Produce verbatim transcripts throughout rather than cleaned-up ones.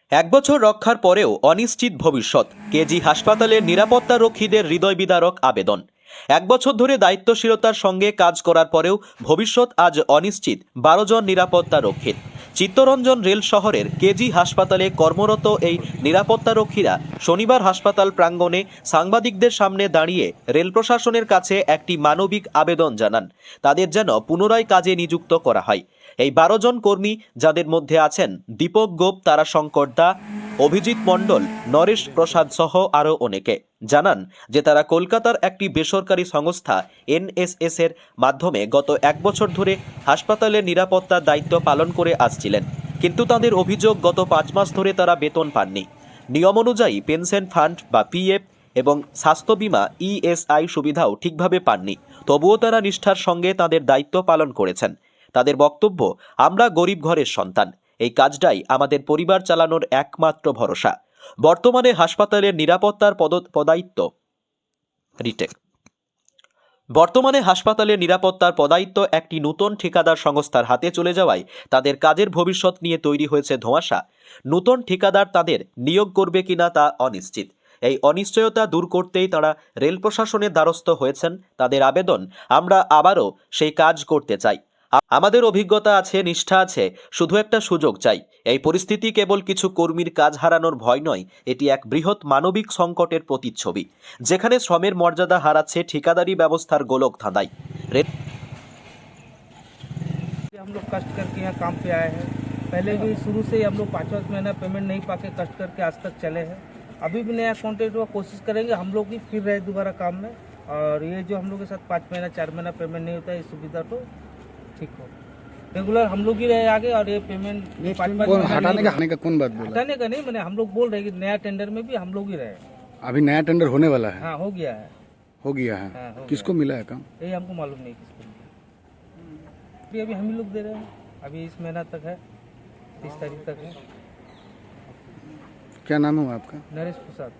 এক বছর রক্ষার পরেও অনিশ্চিত ভবিষ্যৎ। কেজি হাসপাতালের নিরাপত্তারক্ষীদের হৃদয় বিদারক আবেদন। এক বছর ধরে দায়িত্বশীলতার সঙ্গে কাজ করার পরেও ভবিষ্যৎ আজ অনিশ্চিত বারো জন নিরাপত্তারক্ষীর। চিত্তরঞ্জন রেল শহরের কেজি হাসপাতালে কর্মরত এই নিরাপত্তারক্ষীরা শনিবার হাসপাতাল প্রাঙ্গণে সাংবাদিকদের সামনে দাঁড়িয়ে রেল প্রশাসনের কাছে একটি মানবিক আবেদন জানান। তাদের যেন পুনরায় কাজে নিযুক্ত করা হয়। এই বারো জন কর্মী, যাদের মধ্যে আছেন দীপক গোপ, তারাশঙ্কর দা, অভিজিৎ মণ্ডল, নরেশ প্রসাদ সহ আরও অনেকে, জানান যে তারা কলকাতার একটি বেসরকারি সংস্থা এনএসএস এর মাধ্যমে গত এক বছর ধরে হাসপাতালের নিরাপত্তার দায়িত্ব পালন করে আসছিলেন। কিন্তু তাদের অভিযোগ, গত পাঁচ মাস ধরে তারা বেতন পাননি। নিয়ম অনুযায়ী পেনশন ফান্ড বা পিএফ এবং স্বাস্থ্য বিমা ইএসআই সুবিধাও ঠিকভাবে পাননি। তবুও তারা নিষ্ঠার সঙ্গে তাদের দায়িত্ব পালন করেছেন। তাদের বক্তব্য, আমরা গরিব ঘরের সন্তান, এই কাজটাই আমাদের পরিবার চালানোর একমাত্র ভরসা। বর্তমানে হাসপাতালের নিরাপত্তার পদ পদায়িত্ব রিটেক বর্তমানে হাসপাতালের নিরাপত্তার পদায়িত্ব একটি নতুন ঠিকাদার সংস্থার হাতে চলে যাওয়ায় তাদের কাজের ভবিষ্যৎ নিয়ে তৈরি হয়েছে ধোঁয়াশা। নতুন ঠিকাদার তাদের নিয়োগ করবে কিনা তা অনিশ্চিত। এই অনিশ্চয়তা দূর করতেই তারা রেল প্রশাসনের দ্বারস্থ হয়েছেন। তাদের আবেদন, আমরা আবারও সেই কাজ করতে চাই। আমাদের অভিজ্ঞতা আছে, নিষ্ঠা আছে, শুধু একটা সুযোগ চাই। এই পরিস্থিতি কেবল কিছু কর্মীর কাজ হারানোর ভয় নয়, এটি এক বৃহৎ মানবিক সংকটের প্রতিচ্ছবি, যেখানে শ্রমের মর্যাদা হারাচ্ছে ঠিকাদারি ব্যবস্থার গোলক ধাঁধায়। हम लोग कष्ट करके यहाँ काम पे आए हैं। पहले भी शुरू से ही हम लोग पाँच पाँच महीना पेमेंट नहीं पाके कष्ट करके आज तक चले हैं। अभी भी नया कॉन्ट्रैक्ट हुआ, कोशिश करेंगे हम लोग भी फिर रहे दोबारा काम में। और ये जो हम लोग के साथ पाँच महीना चार महीना पेमेंट नहीं होता है, ये सुविधा तो ठीक हो। रेगुलर हम लोग ही रहे आगे, और ये पेमेंट हटाने का हटाने का कौन बात बोला? हटाने का नहीं, मैंने हम लोग बोल रहे हैं कि नया टेंडर में भी हम लोग ही रहे। अभी नया टेंडर होने वाला है? हाँ, हो गया है। हो गया है। हाँ, हो किसको मिला है काम? ये हमको मालूम नहीं किसको मिला। अभी अभी हम ही लोग दे रहे हैं। अभी इस महीना तक है, तीस तारीख तक है। क्या नाम है आपका? नरेश प्रसाद।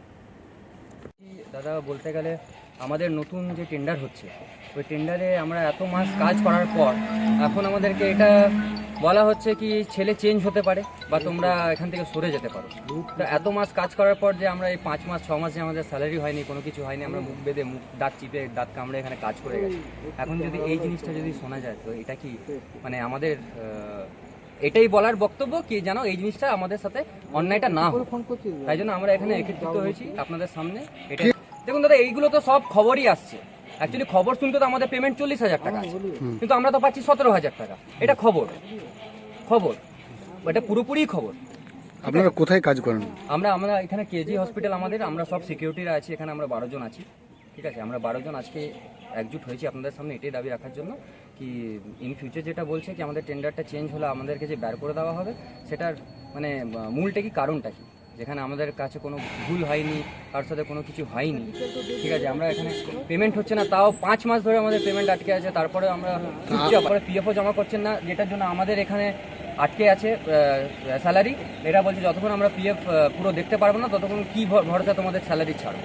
দাদা, বলতে গেলে আমাদের নতুন যে টেন্ডার হচ্ছে, ওই টেন্ডারে আমরা এত মাস কাজ করার পর এখন আমাদেরকে এটা বলা হচ্ছে কি ছেলে চেঞ্জ হতে পারে বা তোমরা এখান থেকে সরে যেতে পারো। তো এত মাস কাজ করার পর যে আমরা এই পাঁচ মাস ছ মাস যে আমাদের স্যালারি হয়নি, কোনো কিছু হয়নি, আমরা মুখ বেঁধে মুখ দাঁত চিপে দাঁত কামড়ে এখানে কাজ করে গেছি। এখন যদি এই জিনিসটা যদি শোনা যায়, তো এটা কি মানে আমাদের এটাই বলার বক্তব্য কি যেন এই জিনিসটা আমাদের সাথে অন্যায়টা না হয়। তাই জন্য আমরা এখানে একত্রিত হয়েছি আপনাদের সামনে। এটা দেখুন দাদা, এইগুলো তো সব খবরই আসছে। অ্যাকচুয়ালি খবর শুনতে তো আমাদের পেমেন্ট চল্লিশ হাজার টাকা আছে, কিন্তু আমরা তো পাচ্ছি সতেরো হাজার টাকা। এটা খবর খবর এটা পুরোপুরি খবর। আপনারা কোথায় কাজ করেন? আমরা আমরা এখানে কেজি হসপিটাল আমাদের, আমরা সব সিকিউরিটিরা আছি এখানে, আমরা বারো জন আছি। ঠিক আছে, আমরা বারো জন আজকে একজুট হয়েছি আপনাদের সামনে এটাই দাবি রাখার জন্য কি ইন ফিউচার যেটা বলছে কি আমাদের টেন্ডারটা চেঞ্জ হলে আমাদেরকে যে বের করে দেওয়া হবে, সেটার মানে মূলটা কি, কারণটা কি, যেখানে আমাদের কাছে কোনো ভুল হয়নি, কারোর সাথে কোনো কিছু হয়নি। ঠিক আছে, আমরা এখানে পেমেন্ট হচ্ছে না, তাও পাঁচ মাস ধরে আমাদের পেমেন্ট আটকে আছে। তারপরে আমরা তারপরে পিএফও জমা করছেন না, যেটার জন্য আমাদের এখানে আটকে আছে স্যালারি। এটা বলছে যতক্ষণ আমরা পিএফ পুরো দেখতে পারবো না, ততক্ষণ কি ভরসা তোমাদের স্যালারি ছাড়ো।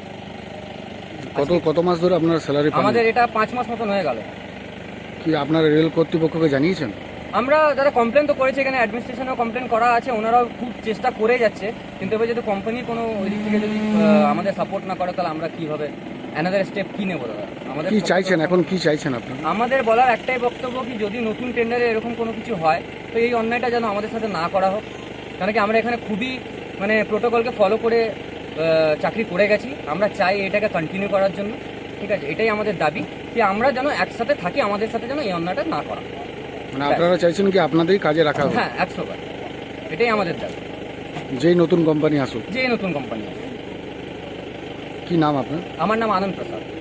কত কত মাস ধরে আপনার স্যালারি পান? আমাদের এটা পাঁচ মাস মতন হয়ে গেল। কি আপনারা রেল কর্তৃপক্ষকে জানিয়েছেন? আমরা যারা কমপ্লেন তো করেছি, এখানে অ্যাডমিনিস্ট্রেশনেও কমপ্লেন করা আছে, ওনারাও খুব চেষ্টা করে যাচ্ছে। কিন্তু এবার যদি কোম্পানির কোনো ওই দিক থেকে যদি আমাদের সাপোর্ট না করে, তাহলে আমরা কীভাবে অ্যানাদার স্টেপ কী নেবো দাদা? আমাদের কি চাইছেন এখন, কি চাইছেন আপনারা? আমাদের বলার একটাই বক্তব্য কি যদি নতুন টেন্ডারে এরকম কোনো কিছু হয়, তো এই অন্যায়টা যেন আমাদের সাথে না করা হোক। কারণ কি আমরা এখানে খুবই মানে প্রোটোকলকে ফলো করে চাকরি করে গেছি। আমরা চাই এটাকে কন্টিনিউ করার জন্য। ঠিক আছে, এটাই আমাদের দাবি কি আমরা যেন একসাথে থাকি, আমাদের সাথে যেন এই অন্যায়টা না করা। মানে আপনারা চাইছেন কি আপনাদেরই কাজে রাখা হবে? হ্যাঁ, একশো বার এটাই আমাদের দাবি। যেই নতুন কোম্পানি আসুক, যেই নতুন কোম্পানি আসুক। কি নাম আপনার? আমার নাম আনন্দ প্রসাদ।